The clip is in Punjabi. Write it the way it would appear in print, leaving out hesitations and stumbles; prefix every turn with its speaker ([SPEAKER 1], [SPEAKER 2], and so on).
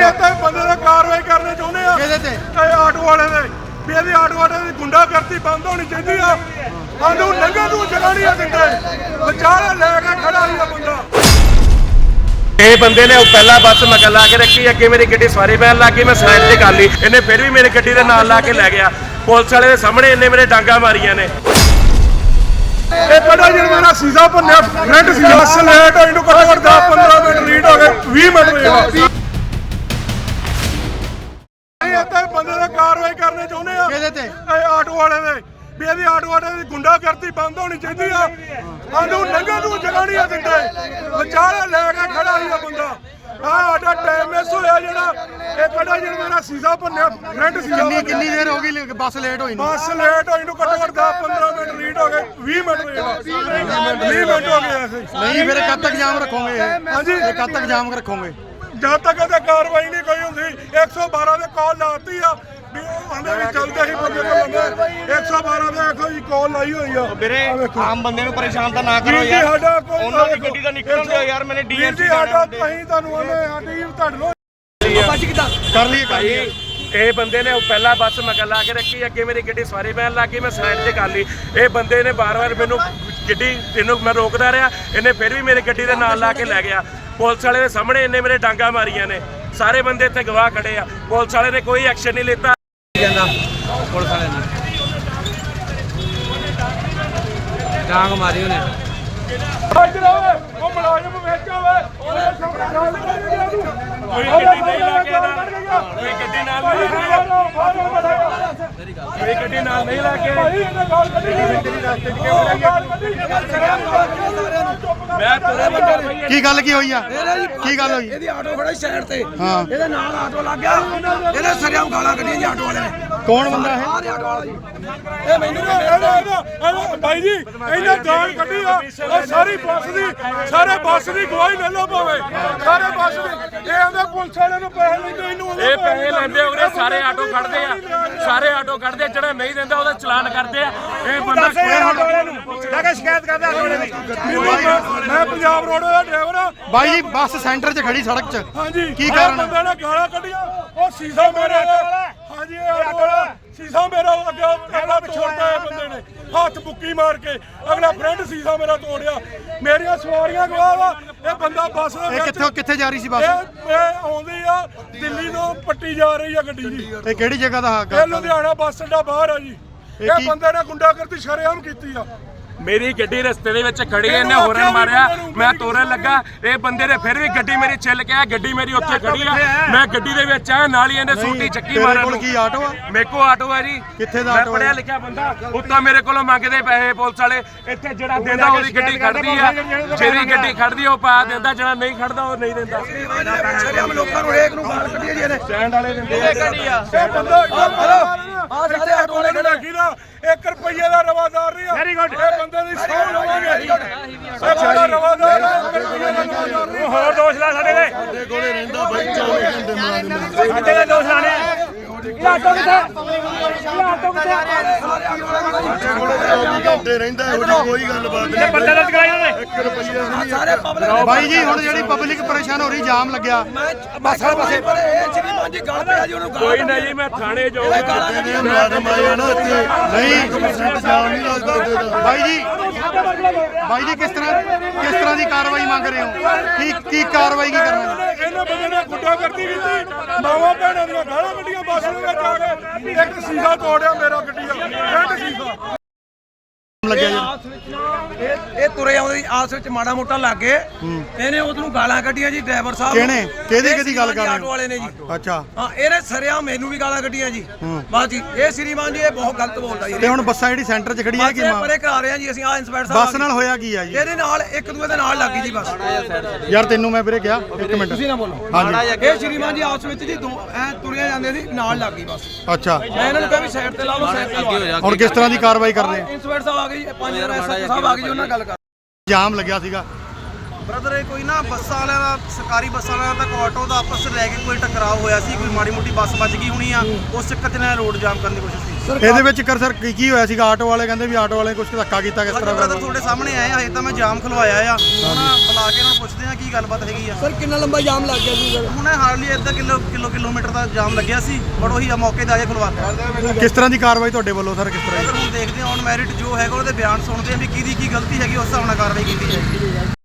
[SPEAKER 1] ਇਹ ਤਾਂ ਬੰਦੇ ਦਾ ਕਾਰਵਾਈ ਕਰਨੀ ਚਾਹੁੰਦੇ ਆ
[SPEAKER 2] ਕਿਹਦੇ ਤੇ?
[SPEAKER 1] ਇਹ ਆਟੋ ਵਾਲੇ ਦੇ ਵੀ ਇਹਦੀ ਆਟੋ ਵਾਲੇ ਦੀ ਗੁੰਡਾਗਰਦੀ ਬੰਦ ਹੋਣੀ ਚਾਹੀਦੀ ਆ। ਸਾਨੂੰ ਲੰਘਣ ਨੂੰ ਜਗ੍ਹਾ ਨਹੀਂ ਆ ਦਿੰਦੇ, ਵਿਚਾਰੇ ਲੈ ਕੇ ਖੜਾ ਹੀ ਆ ਬੰਦਾ। ਇਹ ਬੰਦੇ ਨੇ ਪਹਿਲਾਂ ਬੱਸ ਮਗਰ ਲਾ ਕੇ ਰੱਖੀ, ਅੱਗੇ ਮੇਰੀ ਗੱਡੀ ਸਵਾਰੀ ਪੈਣ ਲੱਗ ਗਈ, ਮੈਂ ਸਾਈਡ ਤੇ ਕਰ ਲਈ, ਇਹਨੇ ਫਿਰ ਵੀ ਮੇਰੀ ਗੱਡੀ ਦੇ ਨਾਲ ਲਾ ਕੇ ਲੈ ਗਿਆ। ਪੁਲਿਸ ਵਾਲੇ ਦੇ ਸਾਹਮਣੇ ਇਹਨੇ ਮੇਰੇ ਡਾਂਗਾ ਮਾਰੀਆਂ ਨੇ। ਇਹ ਪਤਾ ਜਿਹੜਾ ਮੇਰਾ ਸੀਜ਼ਾ ਭੰਨਿਆ ਫਰੰਟ ਸੀਜ਼ਾ ਬੱਸ ਲੇਟ ਹੋਈ ਨੂੰ ਘੱਟੋ ਘੱਟ 10-15 ਮਿੰਟ ਲੀਟ ਹੋ ਗਏ, 20 ਮਿੰਟ ਹੋਏ। ਇਹ ਤਾਂ ਬੰਦੇ ਦਾ ਕਾਰਵਾਈ ਕਰਨੀ ਚਾਹੁੰਦੇ ਆ
[SPEAKER 2] ਕਿਹਦੇ ਤੇ?
[SPEAKER 1] ਇਹ ਆਟੋ ਵਾਲੇ ਦੇ ਵੀ ਇਹਦੀ ਆਟੋ ਵਾਲੇ ਦੀ ਗੁੰਡਾਗਰਦੀ ਬੰਦ ਹੋਣੀ ਚਾਹੀਦੀ ਆ। ਸਾਨੂੰ ਲੰਘਣ ਨੂੰ ਜਗ੍ਹਾ ਨਹੀਂ ਆ ਦਿੰਦੇ, ਵਿਚਾਰੇ ਲੈ ਕੇ ਖੜਾ ਹੀ ਆ ਬੰਦਾ। ਸਾਡਾ ਟਾਈਮ ਮਿਸ ਹੋਇਆ ਜਿਹੜਾ ਇਹ ਪਤਾ ਜਿਹੜਾ ਮੇਰਾ ਸੀਜ਼ਾ ਭੰਨਿਆ ਫਰੰਟ ਸੀਜ਼ਾ।
[SPEAKER 2] ਕਿੰਨੀ ਦੇਰ ਹੋ ਗਈ ਬੱਸ ਲੇਟ ਹੋਈ ਨੂੰ?
[SPEAKER 1] ਬੱਸ ਲੇਟ ਹੋਈ ਨੂੰ ਘੱਟੋ ਘੱਟ 10-15 ਮਿੰਟ ਲੀਟ ਹੋ ਗਏ, 20 ਮਿੰਟ ਹੋਏ। 20 ਮਿੰਟ ਹੋ ਗਏ ਐਸੇ।
[SPEAKER 2] ਨਹੀਂ ਫਿਰ ਕਦ ਤੱਕ ਜਾਮ ਰੱਖੋਗੇ?
[SPEAKER 1] ਹਾਂਜੀ,
[SPEAKER 2] ਕਦ ਤੱਕ ਜਾਮ ਰੱਖੋਗੇ?
[SPEAKER 1] ਜਦ ਤੱਕ ਇਹਦੇ ਕਾਰਵਾਈ ਨਹੀਂ ਕੋਈ ਹੁੰਦੀ। 112 ਦੇ ਕਾਲ ਲਾਤੀ ਆ ਵੀ ਉਹ ਆਂਦੇ ਵੀ ਚੱਲਦੇ ਹੀ ਬੰਦੇ ਕੋਲ 112 ਦੇ ਆਖੋ ਜੀ ਕਾਲ ਲਾਈ ਹੋਈ ਆ।
[SPEAKER 3] ਵੀਰੇ ਆਮ ਬੰਦੇ ਨੂੰ ਪਰੇਸ਼ਾਨ ਤਾਂ ਨਾ ਕਰੋ ਯਾਰ, ਉਹਨਾਂ ਦੀ ਗੱਡੀ ਦਾ ਨਿਕਲਣ ਦਿਓ ਯਾਰ। ਮੈਨੇ ਡੀਐਮਸੀ
[SPEAKER 1] ਸਾਡਾ ਅਸੀਂ ਤੁਹਾਨੂੰ ਆਨੇ ਸਾਡੀ ਤੁਹਾਡੇ ਨੂੰ
[SPEAKER 2] ਕਰ ਲਈਏ।
[SPEAKER 1] ਇਹ ਬੰਦੇ ਨੇ ਪਹਿਲਾਂ ਬੱਸ ਮਗਰ ਲਾ ਕੇ ਰੱਖੀ, ਅੱਗੇ ਮੇਰੀ ਗੱਡੀ ਸਵਾਰੀ ਪੈਣ ਲੱਗ ਗਈ, ਮੈਂ ਸਾਈਡ ਤੇ ਕਰ ਲਈ। ਇਹ ਬੰਦੇ ਨੇ ਵਾਰ-ਵਾਰ ਮੈਨੂੰ ਗੱਡੀ ਇਹਨੂੰ ਮੈਂ ਰੋਕਦਾ ਰਿਹਾ, ਇਹਨੇ ਫਿਰ ਵੀ ਮੇਰੀ ਗੱਡੀ ਦੇ ਨਾਲ ਲਾ ਕੇ ਲੈ ਗਿਆ। ਪੁਲਿਸ ਵਾਲੇ ਦੇ ਸਾਹਮਣੇ ਇਹਨੇ ਮੇਰੇ ਡਾਂਗਾ ਮਾਰੀਆਂ ਨੇ। ਸਾਰੇ ਬੰਦੇ ਇੱਥੇ ਗਵਾਹ ਖੜੇ ਆ, ਪੁਲਿਸ ਵਾਲੇ ਨੇ ਕੋਈ ਐਕਸ਼ਨ ਨਹੀਂ ਲਿੱਤਾ।
[SPEAKER 4] ਪੁਲਿਸ ਵਾਲੇ ਨੇ ਡਾਂਗ ਮਾਰੀ ਉਹਨੇ।
[SPEAKER 1] ਉਹ ਮੁਲਾਜ਼ਮ ਵਿੱਚ ਹੋਵੇ, ਕੋਈ ਗੱਡੀ ਨਹੀਂ ਲਾ ਕੇ ਕੋਈ ਗੱਡੀ ਨਾਲ ਨਹੀਂ ਕੋਈ ਗੱਡੀ ਨਾਲ ਨਹੀਂ ਲਾ ਕੇ ਮੈਂ ਤੁਰੇ ਬੰਦੇ।
[SPEAKER 2] ਕੀ ਗੱਲ ਕੀ ਹੋਈ ਆ? ਕੀ ਗੱਲ ਹੋਈ?
[SPEAKER 5] ਇਹਦੀ ਆਟੋ ਖੜਾ ਸਾਈਡ ਤੇ,
[SPEAKER 2] ਹਾਂ,
[SPEAKER 5] ਇਹਦੇ ਨਾਲ ਆਟੋ ਲੱਗ ਗਿਆ, ਇਹਨੇ ਸਰਿਆਮ ਗਾਲਾਂ ਕੱਢੀਆਂ ਜੀ ਆਟੋ ਵਾਲੇ ਨੇ।
[SPEAKER 2] ਕੌਣ ਬੰਦਾ ਇਹ?
[SPEAKER 5] ਆਹ ਆਟੋ ਵਾਲਾ ਜੀ,
[SPEAKER 1] ਇਹ ਮੈਨੂੰ ਭਾਈ ਜੀ ਇਹਨਾਂ ਗਾਲ ਕੱਢੀ ਆ। ਉਹ ਸਾਰੀ ਬੱਸ ਦੀ ਬੱਸ ਦੀ ਗਵਾਹੀ ਲੈ ਲਓ ਭਾਵੇਂ ਸਾਰੇ ਬੱਸ ਦੀ। ਇਹ ਆਂਦੇ ਪੁਲਿਸ ਵਾਲਿਆਂ ਨੂੰ ਪੈਸੇ ਲੈਂਦੇ, ਇਹਨੂੰ ਇਹ ਪੈਸੇ ਲੈਂਦੇ ਉਹਨੇ। ਸਾਰੇ ਆਟੋ ਕੱਢਦੇ ਆ, ਸਾਰੇ ਆਟੋ ਕੱਢਦੇ, ਜਿਹੜਾ ਨਹੀਂ ਦਿੰਦਾ ਉਹਦਾ ਚਲਾਨ ਕਰਦੇ ਆ। ਇਹ ਬੰਦਾ ਆਟੋ ਵਾਲਿਆਂ ਨੂੰ ਲੈ ਕੇ ਸ਼ਿਕਾਇਤ ਕਰਦਾ ਆਟੋ ਵਾਲੇ ਦੀ। ਮੈਂ ਪੰਜਾਬ ਰੋਡ ਦਾ ਡਰਾਈਵਰ ਆ
[SPEAKER 2] ਬਾਈ ਜੀ। ਬੱਸ ਸੈਂਟਰ 'ਚ ਖੜੀ ਸੜਕ 'ਚ,
[SPEAKER 1] ਹਾਂਜੀ।
[SPEAKER 2] ਕੀ ਕਾਰਨ?
[SPEAKER 1] ਬੰਦੇ ਨੇ ਗਾਲਾਂ ਕੱਢੀਆਂ। ਉਹ ਸੀਸਾ ਮੇਰੇ ਹਾਂਜੀ ਆਟੋ ਵਾਲਾ ਸੀਸਾ ਮੇਰਾ ਅੱਗੇ ਅਗਲਾ ਤੋੜਦਾ ਹੈ ਬੰਦੇ ਨੇ, ਹੱਥ ਬੁੱਕੀ ਮਾਰ ਕੇ। ਅਗਲਾ ਫਰੰਟ ਸੀਸਾ ਮੇਰਾ ਤੋੜਿਆ। ਮੇਰੀਆਂ ਸਵਾਰੀਆਂ ਗਵਾਹ ਵਾ। ਇਹ ਬੰਦਾ ਬੱਸ ਦੇ ਵਿੱਚ
[SPEAKER 2] ਕਿੱਥੇ ਜਾ ਰਹੀ ਸੀ ਬੱਸ?
[SPEAKER 1] ਇਹ ਆਉਂਦੀ ਆ ਦਿੱਲੀ ਤੋਂ ਪੱਟੀ ਜਾ ਰਹੀ ਆ ਗੱਡੀ ਜੀ।
[SPEAKER 2] ਇਹ ਕਿਹੜੀ ਜਗ੍ਹਾ ਦਾ
[SPEAKER 1] ਇਹ ਲੁਧਿਆਣਾ ਬੱਸ ਅੱਡਾ ਬਾਹਰ ਆ ਜੀ। ਇਹ ਬੰਦੇ ਨੇ ਗੁੰਡਾਗਰਦੀ ਸ਼ਰੇਆਮ ਕੀਤੀ ਆ। ਮੇਰੀ ਗੱਡੀ ਰਸਤੇ ਦੇ ਵਿੱਚ ਖੜੀ ਐ, ਇਹਨੇ ਹੋਰਨ ਮਾਰਿਆ, ਮੈਂ ਤੋਰਨ ਲੱਗਾ। ਇਹ ਬੰਦੇ ਨੇ ਫਿਰ ਵੀ ਗੱਡੀ ਮੇਰੀ ਛਿੱਲ ਕੇ ਆ। ਗੱਡੀ ਮੇਰੀ ਉੱਥੇ ਖੜੀ ਆ, ਮੈਂ ਗੱਡੀ ਦੇ ਵਿੱਚ ਆ, ਨਾਲ ਹੀ ਇਹਨੇ ਸੂਟੀ ਚੱਕੀ ਮਾਰਨ ਨੂੰ।
[SPEAKER 2] ਕੀ ਆਟੋ ਆ?
[SPEAKER 1] ਮੇਰੇ ਕੋਲ ਆਟੋ ਹੈ ਜੀ।
[SPEAKER 2] ਕਿੱਥੇ ਦਾ
[SPEAKER 1] ਮੈਂ
[SPEAKER 2] ਆਟੋ?
[SPEAKER 1] ਪੜਿਆ ਲਿਖਿਆ ਬੰਦਾ। ਉੱਤੋਂ ਮੇਰੇ ਕੋਲੋਂ ਮੰਗਦੇ ਪੈਸੇ ਪੁਲਿਸ ਵਾਲੇ। ਇੱਥੇ ਜਿਹੜਾ ਦਿੰਦਾ ਉਹਦੀ ਗੱਡੀ ਖੜਦੀ ਆ, ਜਿਹੜੀ ਗੱਡੀ ਖੜਦੀ ਉਹ ਪਾ ਦਿੰਦਾ, ਜਿਹੜਾ ਨਹੀਂ ਖੜਦਾ ਉਹ ਨਹੀਂ ਦਿੰਦਾ।
[SPEAKER 5] ਸਰਿਆਮ ਲੋਕਾਂ ਨੂੰ ਹਰੇਕ ਨੂੰ ਗਾਲ ਕੱਢੀ ਜੀ ਇਹਨੇ।
[SPEAKER 1] ਸਟੈਂਡ ਵਾਲੇ ਦਿੰਦੇ ਆ ਗੱਡੀ ਆ। ਇਹ ਬੰਦਾ
[SPEAKER 5] ਆਹ ਸਾਰੇ ਆਟੋ ਵਾਲੇ ਖੜੇ।
[SPEAKER 1] 1 ਰੁਪਈਏ ਦਾ ਰਵਾਦਾਰ ਨਹੀਂ ਆ। Very good. ਇਹ ਬੰਦੇ ਦੀ ਸੌ ਲਵਾਂਗੇ। ਇਹ ਬੰਦਾ ਰਵਾਦਾਰ ਆ, 1 ਰੁਪਈਏ ਦਾ ਰਵਾਦਾਰ ਨਹੀਂ। ਹੋਰ ਦੋਸ਼ ਲਾ ਸਾਡੇ ਦੇ। ਸਾਡੇ ਕੋਲੇ ਰਹਿੰਦਾ ਬਾਈ 24 ਘੰਟੇ ਮੁਲਾਜ਼ਮ। ਸਾਡੇ ਦੇ ਦੋਸ਼ ਲਾਣੇ ਆਟੋ ਕਿੱਥੇ? ਆਟੋ ਕਿੱਥੇ?
[SPEAKER 6] ਘੰਟੇ ਰਹਿੰਦਾ ਕੋਈ ਗੱਲਬਾਤ ਨਹੀਂ।
[SPEAKER 1] ਪਰਚਾ ਦਰਜ ਕਰਾਇਆ ਉਹਨੇ।
[SPEAKER 6] 1 ਰੁਪਈਆ ਨਹੀਂ।
[SPEAKER 5] ਸਾਰੇ ਪਬਲਿਕ
[SPEAKER 2] ਬਾਈ ਜੀ ਹੁਣ ਜਿਹੜੀ ਪਬਲਿਕ ਪਰੇਸ਼ਾਨ ਹੋ ਰਹੀ, ਜਾਮ ਲੱਗਿਆ
[SPEAKER 5] ਬੱਸ ਵਾਲੇ ਪਾਸੇ ਪਰ ਇਹ ਸ਼੍ਰੀਮਾਨ ਜੀ ਗੱਲ ਪਿਆ ਜੀ, ਉਹਨੂੰ
[SPEAKER 1] ਕੋਈ ਨਹੀਂ ਜੀ, ਮੈਂ ਥਾਣੇ ਜਾਊਂਗਾ।
[SPEAKER 6] ਜਿਹੜੇ ਮੁਲਾਜ਼ਮ ਆਏ ਨਾ ਇੱਥੇ
[SPEAKER 2] ਨਹੀਂ
[SPEAKER 6] 1% ਜਾਮ ਨਹੀਂ ਲੱਗਦਾ ਇੱਥੇ ਦਾ।
[SPEAKER 2] ਬਾਈ ਜੀ ਕਿਸ ਤਰ੍ਹਾਂ ਦੀ ਕਾਰਵਾਈ ਮੰਗ ਰਹੇ ਹੋ? ਕੀ ਕਾਰਵਾਈ ਕੀ ਕਰਨਾ?
[SPEAKER 1] ਇਹਨਾਂ ਬੰਦੇ ਨੇ ਗੁੰਡਾਗਰਦੀ ਕੀਤੀ। ਮਾਵਾਂ ਭੈਣਾਂ ਦੀਆਂ ਗਾਲਾਂ ਕੱਢੀਆਂ ਬੱਸ ਦੇ ਵਿੱਚ ਆ ਕੇ। ਇੱਕ ਸੀਸਾ ਤੋੜਿਆ ਮੇਰਾ ਗੱਡੀ ਦਾ, ਫਰੰਟ ਸੀਸਾ
[SPEAKER 2] ਲੱਗਿਆ ਜੀ।
[SPEAKER 5] ਇਹ ਤੁਰੇ ਆਉਂਦੇ ਜੀ, ਆਸ ਵਿੱਚ ਮਾੜਾ ਮੋਟਾ ਲੱਗ ਗਏ। ਇਹਨੇ ਉਹਨੂੰ ਗਾਲਾਂ ਕੱਢੀਆਂ ਜੀ ਡਰਾਈਵਰ ਸਾਹਿਬ।
[SPEAKER 2] ਕਿਹਨੇ? ਕਿਹਦੀ ਗੱਲ ਕਰ ਰਹੇ ਹੋ?
[SPEAKER 5] ਆਟੋ ਵਾਲੇ ਨੇ ਜੀ।
[SPEAKER 2] ਅੱਛਾ,
[SPEAKER 5] ਹਾਂ, ਇਹਨੇ ਸਰਿਆਮ ਮੈਨੂੰ ਵੀ ਗਾਲਾਂ ਕੱਢੀਆਂ ਜੀ। ਬਸ ਜੀ, ਇਹ ਸ਼੍ਰੀਮਾਨ ਜੀ ਇਹ ਬਹੁਤ ਗਲਤ ਬੋਲਦਾ ਜੀ।
[SPEAKER 2] ਤੇ ਹੁਣ ਬੱਸਾਂ ਜਿਹੜੀ ਸੈਂਟਰ 'ਚ ਖੜੀਆਂ ਕੀ
[SPEAKER 5] ਪਰੇ ਕਰਾ ਰਹੇ ਆ ਜੀ ਅਸੀਂ। ਆ ਇੰਸਪੈਕਟਰ ਸਾਹਿਬ
[SPEAKER 2] ਬੱਸ ਨਾਲ ਹੋਇਆ ਕੀ ਆ ਜੀ?
[SPEAKER 5] ਇਹਦੇ ਨਾਲ ਇੱਕ ਦੂਏ ਦੇ ਨਾਲ ਲੱਗੀ ਜੀ ਬੱਸ।
[SPEAKER 2] ਯਾਰ ਤੈਨੂੰ ਮੈਂ ਵੀਰੇ ਕਿਹਾ 1 ਮਿੰਟ।
[SPEAKER 5] ਤੁਸੀਂ ਨਾ ਬੋਲੋ।
[SPEAKER 2] ਹਾਂਜੀ,
[SPEAKER 5] ਇਹ ਸ਼੍ਰੀਮਾਨ ਜੀ ਆਪਸ ਵਿੱਚ ਜੀ ਐ ਤੁਰਿਆ ਜਾਂਦੇ ਸੀ, ਨਾਲ ਲੱਗ ਗਈ ਬੱਸ।
[SPEAKER 2] ਅੱਛਾ।
[SPEAKER 5] ਮੈਂ ਇਹਨਾਂ ਨੂੰ ਕਿਹਾ ਵੀ ਸਾਈਡ ਤੇ ਲਾ ਲਓ, ਸਾਈਡ ਤੇ ਲਾ ਲਓ।
[SPEAKER 2] ਹੁਣ ਕਿਸ ਤਰ੍ਹਾਂ ਦੀ ਕਾਰਵਾਈ ਕਰ ਰਹੇ?
[SPEAKER 5] ਇੰਸਪੈਕਟਰ ਸਾਹਿਬ ਆ ਗਏ ਜੀ, 5 ਐਸਐਚਓ ਸਾਹਿਬ ਆ ਗਏ ਜੀ, ਉਹਨਾਂ ਨਾਲ ਗੱਲ ਕਰ।
[SPEAKER 2] ਜਾਮ ਲੱਗਿਆ ਸੀਗਾ
[SPEAKER 4] ਬ੍ਰਦਰ ਇਹ ਕੋਈ ਨਾ ਬੱਸਾਂ ਵਾਲਿਆਂ ਦਾ, ਸਰਕਾਰੀ ਬੱਸਾਂ ਵਾਲਿਆਂ ਦਾ ਆਟੋ ਦਾ ਆਪਸ ਵਿੱਚ ਲੈ ਕੇ ਕੋਈ ਟਕਰਾਅ ਹੋਇਆ ਸੀ। ਕੋਈ ਮਾੜੀ ਮੋਟੀ ਬੱਸ ਵੱਜ ਗਈ ਹੋਣੀ ਆ, ਉਸ ਚੱਕਰ 'ਚ ਇਹਨਾਂ ਨੇ ਰੋਡ ਜਾਮ ਕਰਨ ਦੀ ਕੋਸ਼ਿਸ਼ ਕੀਤੀ।
[SPEAKER 2] ਇਹਦੇ ਵਿੱਚ ਸਰ ਕੀ ਹੋਇਆ ਸੀਗਾ? ਆਟੋ ਵਾਲੇ ਕਹਿੰਦੇ ਵੀ ਆਟੋ ਵਾਲੇ ਕੁਝ ਧੱਕਾ ਕੀਤਾ, ਕਿਸ ਤਰ੍ਹਾਂ?
[SPEAKER 4] ਬ੍ਰਦਰ ਤੁਹਾਡੇ ਸਾਹਮਣੇ ਆਏ ਆ, ਹਜੇ ਤਾਂ ਮੈਂ ਜਾਮ ਖਲਵਾਇਆ ਆ, ਹੁਣ ਬੁਲਾ ਕੇ ਇਹਨਾਂ ਨੂੰ ਪੁੱਛਦੇ ਆ ਕੀ ਗੱਲਬਾਤ ਹੈਗੀ ਆ।
[SPEAKER 5] ਸਰ ਕਿੰਨਾ ਲੰਬਾ ਜਾਮ ਲੱਗ ਗਿਆ ਸੀ ਸਰ?
[SPEAKER 4] ਹੁਣ ਹਾਰਡਲੀ ਅੱਧਾ ਕਿਲੋਮੀਟਰ ਦਾ ਜਾਮ ਲੱਗਿਆ ਸੀ, ਬਟ ਉਹੀ ਆ ਮੌਕੇ ਤੇ ਆ ਕੇ ਖਲਵਾਤਾ।
[SPEAKER 2] ਕਿਸ ਤਰ੍ਹਾਂ ਦੀ ਕਾਰਵਾਈ ਤੁਹਾਡੇ ਵੱਲੋਂ ਸਰ, ਕਿਸ ਤਰ੍ਹਾਂ ਦੀ?
[SPEAKER 4] ਹੁਣ ਦੇਖਦੇ ਆ ਔਨ ਮੈਰਿਟ ਜੋ ਹੈਗਾ ਉਹਦੇ ਬਿਆਨ ਸੁਣਦੇ ਆ ਵੀ ਕਿਹਦੀ ਕੀ ਗਲਤੀ ਹੈਗੀ, ਉਸ ਹਿਸਾਬ ਨਾਲ ਕਾਰਵਾਈ ਕੀਤੀ ਜਾਏਗੀ।